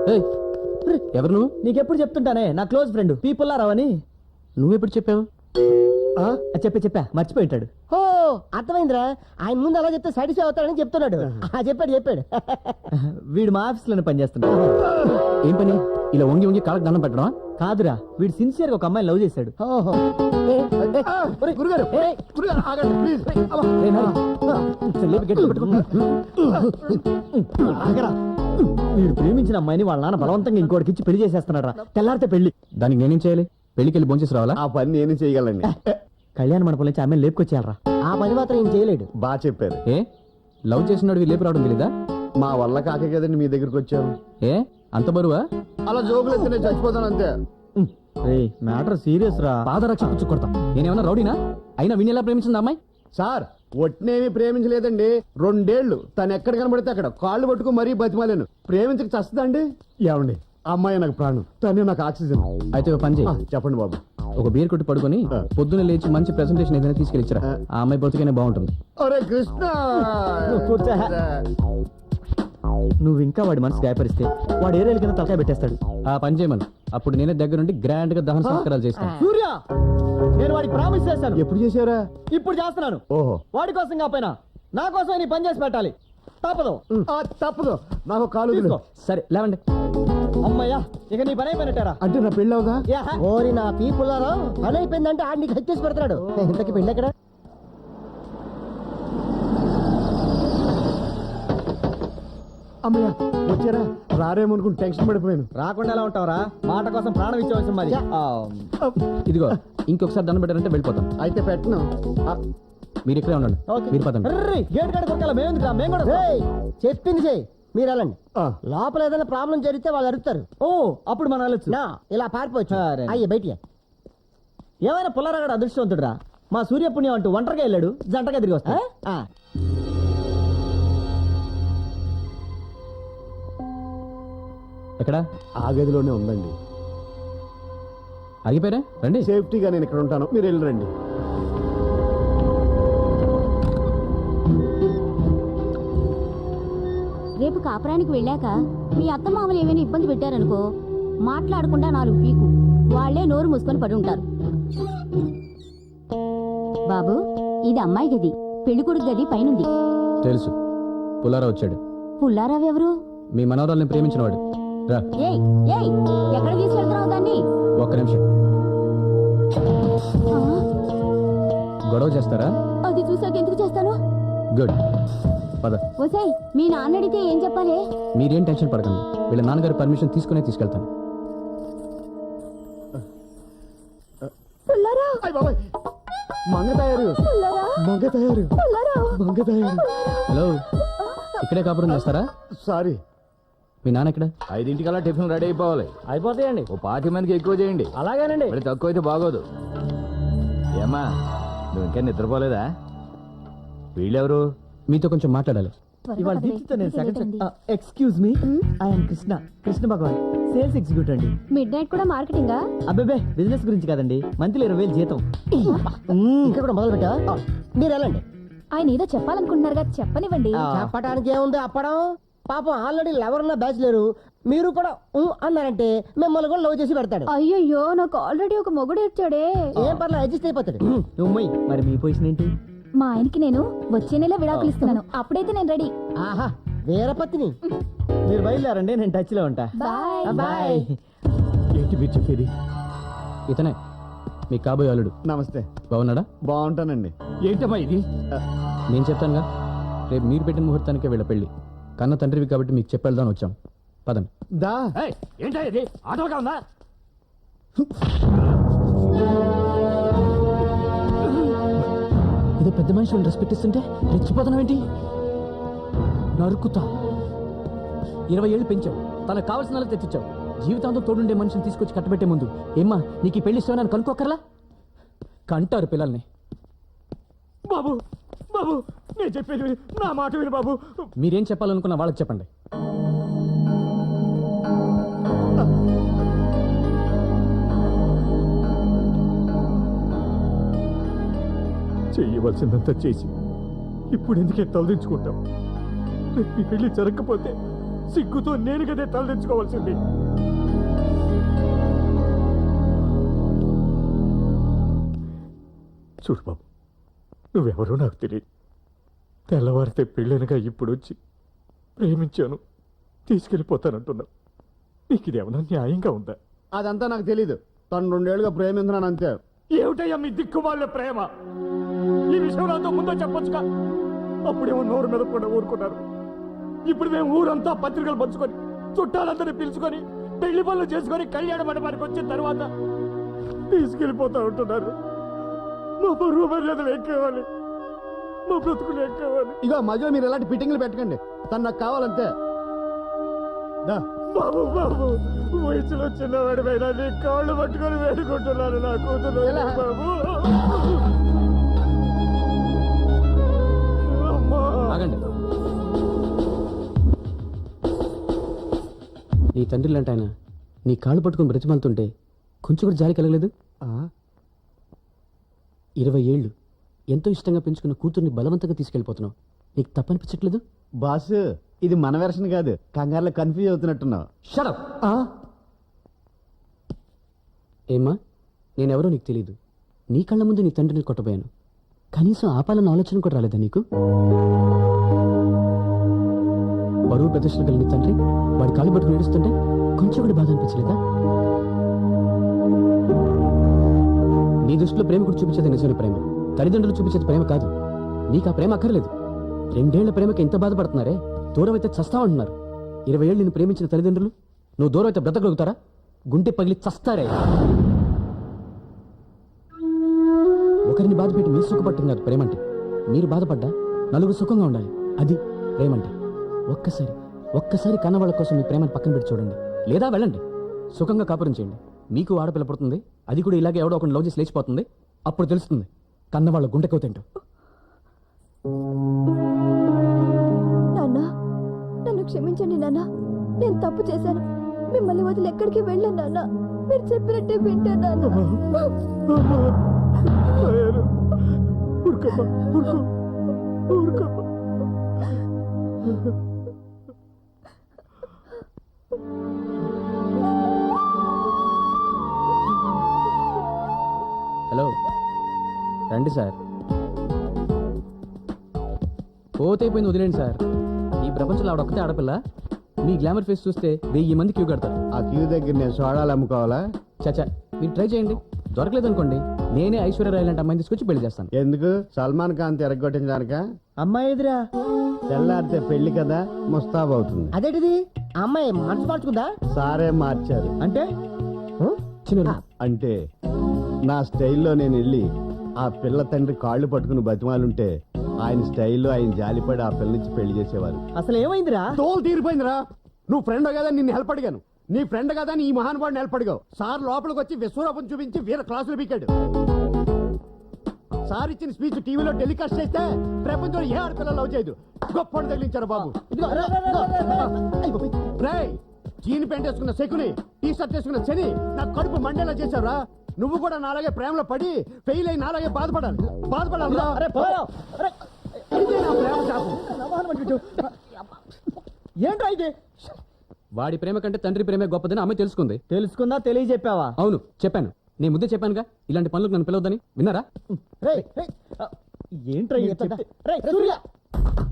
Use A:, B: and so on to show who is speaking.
A: ఎవరు నువ్వు?
B: నీకెప్పుడు చెప్తుంటానే నా క్లోజ్ ఫ్రెండ్ పీపుల్లారావు అని.
A: నువ్వెప్పుడు చెప్పావు?
B: చెప్పా మర్చిపోయింటాడు.
C: ఓ అర్థమైందిరా, ఆయన ముందు అలా చెప్తే సాటిస్ఫై అవుతాడని చెప్తున్నాడు. చెప్పాడు
B: వీడు మా ఆఫీస్ లోనే పనిచేస్తున్నాడు.
A: ఏం పని? ఇలా వంగి వంగి కాళ్ళకి దండం పెట్టడం?
B: కాదురా, వీడు సిన్సియర్ గా ఒక అమ్మాయిని లవ్ చేశాడు.
C: ఓహో
D: గురుగారు ఆగండి ప్లీజ్.
B: వీడు ప్రేమించిన అమ్మాయిని వాళ్ళ నాన్న బలవంతంగా ఇంకోటికి ఇచ్చి పెళ్లి చేసేస్తున్నాడు రా. తెల్లారితే పెళ్లి.
A: దానికి నేనేం చేయాలి? పెళ్లికి వెళ్ళి భోంచేసి రావాలా?
D: ఆ పని నేను చేయగలండి.
B: కళ్యాణ మండపం నుంచి అమ్మాయిని లేపుకొచ్చేయాలరా.
C: ఆ పని మాత్రం ఏం చేయలేడు.
D: బాగా చెప్పారు.
A: ఏ లవ్ చేసినాడు లేపు రావడం తెలీదా?
D: మా వల్ల కాకే కదండి మీ దగ్గరికి వచ్చాం.
A: ఏ అంత బరువా?
D: అలా జోకులు ఎత్తే నేను చచ్చిపోతాను అంతే.
B: మ్యాటర్ సీరియస్ రా.
A: పాదరక్ష పుచ్చు కొడతా. నేనేమన్నా రౌడీనా? అయినా విని ఎలా ప్రేమించింది అమ్మాయి?
D: సార్ ఒట్నేమి ప్రేమించలేదండి. 2 ఏళ్లు తను ఎక్కడ కనబడితే అక్కడ కాళ్ళు పట్టుకుని మరీ బతిమాలేను. ప్రేమించక చస్తుందండి. ఏమండి, అమ్మాయి నాకు ప్రాణం, తనే నాకు ఆక్సిజన్.
A: అయితే ఓ పని చేయి.
D: చెప్పండి బాబు.
A: ఒక బీర్ కొట్టి పడుకొని పొద్దున్న లేచి మంచి ప్రెసెంటేషన్ ఏదైనా తీసుకెళ్ళిచ్చరా. ఆ అమ్మాయి బతుకనే బాగుంటుంది.
D: అరే కృష్ణ,
B: నువ్వు ఇంకా వాడి మనసు గాయపరిస్తే వాడు ఏరేళ్ళ కింద తలకాయ పెట్టేస్తాడు.
A: ఆ పని చేయమను. అప్పుడు నేనే దగ్గరుండి గ్రాండ్ గా దహన సంస్కారాలు చేస్తాను.
B: సూర్య, నేను వాడికి ప్రామిస్ చేశాను.
D: ఎప్పుడు చేశారా?
B: ఇప్పుడు చేస్తున్నాను.
D: ఓహో,
B: వాడి కోసం కాపోయినా నా కోసం నీ పని చేసి పెట్టాలి. తప్పదు.
D: తప్పదు. నాకు కాలు
B: తీసుకో.
A: సరే లేవండి.
B: అమ్మయ్యా, ఇక నీ పని అయిపోయినట్టారా?
D: అంటే నా పెళ్ళి అవుదా?
C: ఓరి నా పీపుల్లారా, పని అయిపోయిందంటే ఆడిని హత్యేసి పెడతాడు. ఇంతకి పెళ్ళి ఎక్కడ?
D: అమ్మయ్య వచ్చారా? రారేమనుకుని టెన్షన్ పడిపోయాను.
B: రాకుండా ఎలా ఉంటావురా? మాట కోసం ప్రాణం ఇచ్చేవలసింది మరి.
A: ఇదిగో ఇంకొకసారి దండం పెట్టారంటే వెళ్ళిపోతాను.
D: అయితే పెట్టను.
A: మీరు ఇక్కడే ఉండండి. మీరు పదండి.
B: గేట్ కాడ కొట్టాలి. మేము కూడా
C: ఏయ్, చెప్పింది చెయ్యి, మీరు వెళ్ళండి. లోపల ఏదైనా ప్రాబ్లం జరిగితే వాళ్ళు అడుగుతారు.
B: ఓ అప్పుడు మనం వెళ్ళొచ్చు.
C: నా ఇలా పారిపోవచ్చు.
B: సరే.
C: అయ్యే బయటికి.
B: ఏమైనా పుల్లారాగడ అదృష్టవంతుడురా. మా సూర్యపుణ్యం అంటూ ఒంటరిగా వెళ్ళాడు, జంటగా తిరిగి వస్తా.
A: ఎక్కడ?
D: ఆ గదిలోనే ఉందండి.
A: ఆగిపోయారా? రండి.
D: సేఫ్టీగా నేను ఇక్కడ ఉంటాను, మీరు వెళ్ళరండి.
E: రేపు కాపురానికి వెళ్ళాక మీ అత్తమామలు ఏమైనా ఇబ్బంది పెట్టారనుకో, మాట్లాడకుండా 4 పీకు, వాళ్లే నోరు మూసుకొని పడి ఉంటారు. బాబు, ఇది అమ్మాయి గది, పెళ్లికొడుకు గది పైనుంది.
A: తెలుసు. పుల్లారా వచ్చాడు.
E: పుల్లారావు ఎవరు?
A: మీ మనవరాల్ని ప్రేమించినవాడు. రా.
E: ఏయ్ ఏయ్, ఎక్కడ తీసుకెళ్తున్నావు దాన్ని?
A: ఒక్క నిమిషం.
E: ఆ,
A: గొడవ చేస్తారా?
E: అది చూసాక ఎందుకు చేస్తాను?
A: గుడ్. పద.
E: ఓసేయ్, మీ నాన్న అడిగితే ఏం చెప్పాలి?
A: మీరేం టెన్షన్ పడకండి. వీళ్ళ నాన్నగారి పర్మిషన్ తీసుకునే తీసుకెళ్తాను.
E: పుల్లారావు,
D: అయ్ బాబాయ్, మంగ తయారు.
E: పుల్లారావు,
D: మంగ తయారు.
E: పుల్లారావు.
D: మంగ తయారు.
A: హలో, ఇక్కడే కాపురం చేస్తారా?
D: సారీ.
A: మీ నాన్న ఎక్కడ?
F: 5 టిఫిన్ రెడీ అయిపోవాలి.
B: అయిపోతాయండి.
F: ఓ 20 మందికి ఎక్కువ చేయండి.
B: అలాగేనండి.
F: మరి తక్కువ అయితే బాగోదు. ఏమ్మా, నువ్వు ఇంకా నిద్రపోలేదా? వీళ్ళెవరు?
A: మీతో కొంచెం మాట్లాడాలి.
B: ఇవాళ దీక్షితో నేను second. Excuse me, I'm Krishna Bhagavan, sales executive అండి.
E: మిడ్ నైట్ కూడా మార్కెటింగా?
B: అబ్బే, బిజినెస్ గురించి కదండి. మంత్లీ 20,000 జీతం.
C: ఇక్కడ కూడా మొదలు పెట్టా. మీరు వెళ్ళండి.
E: ఆయన ఏదో చెప్పాలనుకుంటున్నారుగా, చెప్పనివ్వండి.
C: చెప్పడానికి ఏముంది అప్పడం. పాపం ఆల్రెడీ లెవెల్ బ్యాచ్ లేరు, మీరు కూడా అన్నారంటే మిమ్మల్ని కూడా లవ్ చేసి పెడతాడు.
E: అయ్యయ్యో, నాకు ఆల్రెడీ ఒక మొగుడు ఇచ్చాడే.
C: ఏం పర్లేదు, అడ్జస్ట్ అయిపోతాడు.
B: ఉమ్మయ్, మరి మీ పొజిషన్ ఏంటి?
E: మా ఆయనకి నేను వచ్చే నెల విడాకులు ఇస్తున్నాను. అప్పుడైతే నేను రెడీ.
C: ఆహా, వీరపత్ని.
B: మీరు బయలుదేరండి, నేను టచ్ లో ఉంటా.
E: బాయ్.
B: బాయ్.
D: ఏంటి మీరు చెప్పేది?
A: ఇతనే మీ కాబోయే అల్లుడు.
D: నమస్తే.
A: బాగున్నాడా?
D: బాగుంటానండి.
F: ఏంటమ్మా ఇది?
A: నేను చెప్తానుగా. రేపు మీరు పెట్టిన ముహూర్తానికే వీళ్ళ పెళ్లి. కన్న తండ్రివి కాబట్టి మీకు చెప్పేద్దాని వచ్చాం. పదండి.
D: దా.
F: ఏంటా ఇది? ఆటోగా ఉందా?
A: ఇదో పెద్ద మనిషి రెస్పెక్ట్ ఇస్తుంటే రెచ్చిపోతున్నావేంటి? నరుకుతా. 20 ఏళ్ళు పెంచావు, తనకు కావాల్సిన వాళ్ళకి తెచ్చిచ్చావు. జీవితాంతం తోడుండే మనిషిని తీసుకొచ్చి కట్టబెట్టే ముందు ఏమ్మా నీకు ఈ పెళ్లి ఇష్టమని కనుక్కోకర్లా? కంటారు పిల్లల్ని.
D: బాబు బాబు, నేను చెప్పేది నా మాట విను బాబు.
A: మీరేం చెప్పాలనుకున్న వాళ్ళకి చెప్పండి.
D: చెయ్యవలసిందంతా చేసి ఇప్పుడు ఎందుకే తలదించుకుంటాం? రేపు ఈ పెళ్లి జరగకపోతే
G: సిగ్గుతో నేను కదే తలదించుకోవాల్సింది. చూడు బాబు, నువ్వెవరో నాకు తెలియదు. తెల్లవారితే పెళ్ళనగా ఇప్పుడు వచ్చి ప్రేమించాను తీసుకెళ్ళిపోతానంటున్నావు. నీకు ఇదేమన్నా న్యాయంగా ఉందా?
D: అదంతా నాకు తెలీదు. తను 2 ఏళ్ళుగా ప్రేమించున్నాను అంతే.
G: ఏమిటయ్యా మీ దిక్కుమాలిన ప్రేమ? ఈ విషయం నాతో ముందో చెప్పొచ్చుగా. అప్పుడేమో నోరు మీద కూడా ఊరుకున్నారు. ఇప్పుడు మేము ఊరంతా పత్రికలు పంచుకొని చుట్టాలందరినీ పిలుచుకొని పెళ్లి పనులు చేసుకొని కళ్యాణ మండపానికి వచ్చిన తర్వాత తీసుకెళ్ళిపోతా ఉంటున్నారు. మా బరువు మర్యాదలు ఎక్కేవాలి, మా బ్రతుకులు ఎక్కేవాలి.
D: ఇగో మధ్యలో మీరు ఎలాంటి ఫిట్టింగ్లు పెట్టకండి. తను నాకు కావాలంతే. దా.
G: బాబు బాబు, వయసులో చిన్నవాడి పైన నీ కాళ్ళు పట్టుకొని వేడుకుంటున్నాను నా కూతురు.
D: ఎలా?
G: బాబు అమ్మా.
A: ఆగండి. నీ తండ్రి లాంటి ఆయన నీ కాళ్ళు పట్టుకుని బ్రతిమాలుతుంటే కొంచెం కూడా జాలి కలగలేదు? 20 ఏళ్ళు ఎంతో ఇష్టంగా పెంచుకున్న కూతుర్ని బలవంతంగా తీసుకెళ్ళిపోతున్నావు. నీకు తప్పనిపించట్లేదు?
D: బాస్, ఇది మన వెర్షన్ కాదు. కంగారులో కన్ఫ్యూజ్ అవుతున్నట్టున్నావు.
A: షడప్. ఏమ్మా, నేనెవరో నీకు తెలీదు. నీ కళ్ళ ముందు నీ తండ్రిని కొట్టబోయాను. కనీసం ఆపాలన్న ఆలోచన కూడా రాలేదా నీకు? బరువు ప్రదర్శన గల నీ తండ్రి వాడి కాళ్ళు పట్టుకుని ఏడుస్తుంటే కొంచెం కూడా బాధ అనిపించలేదా? నీ దృష్టిలో ప్రేమ కూడా చూపించేది నిజమైన ప్రేమ, తల్లిదండ్రులు చూపించేది ప్రేమ కాదు. నీకు ఆ ప్రేమ అక్కర్లేదు. 2 ఏళ్ల ప్రేమకి ఎంత బాధపడుతున్నారే. దూరం అయితే చస్తావంటున్నారు. 20 ఏళ్ళు నిన్ను ప్రేమించిన తల్లిదండ్రులు నువ్వు దూరం అయితే బ్రతకగలుగుతారా? గుండె పగిలి చస్తారే. ఒకరిని బాధ పెట్టి మీరు సుఖపట్టం కాదు ప్రేమంటే. మీరు బాధపడ్డా నలుగురు సుఖంగా ఉండాలి. అది ప్రేమంటే. ఒక్కసారి కన్నవాళ్ళ కోసం మీ ప్రేమను పక్కన పెట్టి చూడండి. లేదా వెళ్ళండి, సుఖంగా కాపురం చేయండి. మీకు ఆడపిల్ల పుడుతుంది, అది కూడా ఇలాగే ఎవడో ఒకటి లవ్ చేసి లేచిపోతుంది. అప్పుడు తెలుస్తుంది కన్నవాళ్ళ గుండెకవుతేంటో.
H: నాన్న, నన్ను క్షమించండి నాన్న. నేను తప్పు చేశాను. మిమ్మల్ని వదిలి ఎక్కడికి వెళ్ళాను నాన్న. మీరు చెప్పినట్టే వింటాను నాన్న.
G: ఊరుకోమ్మా, ఊరుకోమ్మా.
A: హలో, రండి సార్. పోతైపోయింది, వదిలేండి సార్. ఈ ప్రపంచంలో ఆవిడొక్కతే ఆడపిల్ల. మీ గ్లామర్ ఫేస్ చూస్తే 1000 మంది క్యూ కడతారు.
D: ఆ క్యూ దగ్గర నేను సోడాలు అమ్ముకోవాలా?
A: చచ్చా, మీరు ట్రై చేయండి. దొరకలేదనుకోండి, నేనే ఐశ్వర్యరాయ్ లాంటి అమ్మాయిని తీసుకొచ్చి పెళ్లి చేస్తాను.
D: ఎందుకు? సల్మాన్ ఖాన్ తిరగొట్టించడానిక?
C: అమ్మాయి ఎదురా
D: తెల్లారితే పెళ్లి కదా, ముస్తాబవుతుంది.
C: అదేంటిది? ఆ అమ్మాయి మనసు మార్చుకుందా?
D: సారే మార్చారు.
C: అంటే
A: చిన్న
D: అంటే నా స్టైల్లో నేను వెళ్ళి ఆ పిల్ల తండ్రి కాళ్ళు పట్టుకుని బతిమాలుంటే ఆయన స్టైల్లో ఆయన జాలిపడి ఆ పిల్ల నుంచి పెళ్లి చేసేవారు.
C: అసలు ఏమైందిరా?
D: తోలు తీరిపోయిందిరా. నువ్వు ఫ్రెండ్ కదా నిన్ను హెల్ప్ అడిగాను. నీ ఫ్రెండ్ కదా నీ మహానుభావుని హెల్ప్ అడిగావు. సార్ లోపలికి వచ్చి విశ్వరూపం చూపించి వీర క్లాసులు పీకాడు. సార్ ఇచ్చిన స్పీచ్ టీవీలో టెలికాస్ట్ చేస్తే ప్రపంచంలో ఏ ఆడపిల్ల లవ్ చేయదు. గొప్ప తగిలించారు బాబు. రేయ్, జీన్ ప్యాంట్ వేసుకున్న శకుని, టీ షర్ట్ వేసుకున్న శని నా కడుపు మండేలా చేశారా? నువ్వు కూడా నాలాగే ప్రేమలో పడి ఫెయిల్ అయి నాలాగే బాధపడాలి. ఇదే నా ప్రేమ శాపం.
C: ఏంట్రా ఇది?
A: వాడి ప్రేమ కంటే తండ్రి ప్రేమే గొప్పదని అమ్మాయి తెలుసుకుంది.
C: తెలుసుకుందా? తెలియజెప్పావా?
A: అవును, చెప్పాను. నేను ముందే చెప్పానుగా ఇలాంటి పనులకు నన్ను పిలవద్దని. విన్నారా?
C: ఏంట్రా?